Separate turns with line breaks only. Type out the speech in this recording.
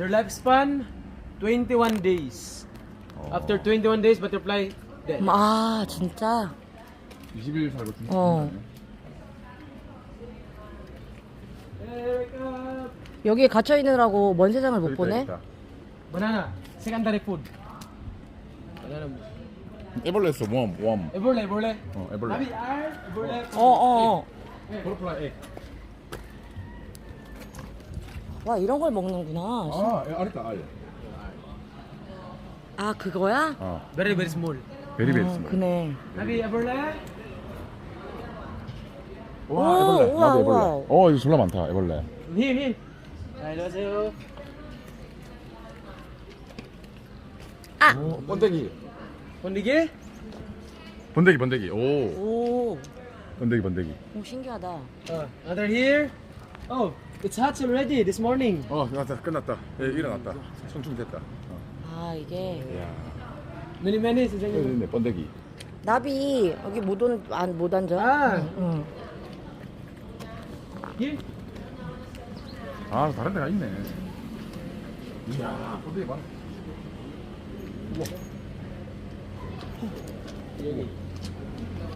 Their lifespan 21 days. After 21 days, butterfly dead.
아 진짜?
20일 살고 죽는
어.
Here we go.
여기에 갇혀 있느라고 먼 세상을 못 보네.
Banana, secondary food. Banana.
애벌레 있어. 웜.
Eborle, eborle.
애벌레.
Nabi, R, eborle.
어어.
버터플라이 egg.
와 이런 걸 먹는구나.
알 있다, 알.
아 그거야?
Very, very small.
베리베리.
그네.
Nabi, eborle.
와, 애벌레.
우와,
나도 애벌레.
우와.
이거 졸라 많다, 애벌레.
Here, here. 안녕하세요.
아.
번데기.
번디기?
번데기. 오.
오.
번데기.
오 신기하다.
Another here. Oh, it's hatched already this morning.
끝났다. 예, 일어났다. 성충됐다.
아 이게
이야.
Many minutes. is it?
네, 번데기.
나비 여기 못 앉아.
Ah,
응.
here.
다른 데가 있네. 이야, 번데기 많아.
여기.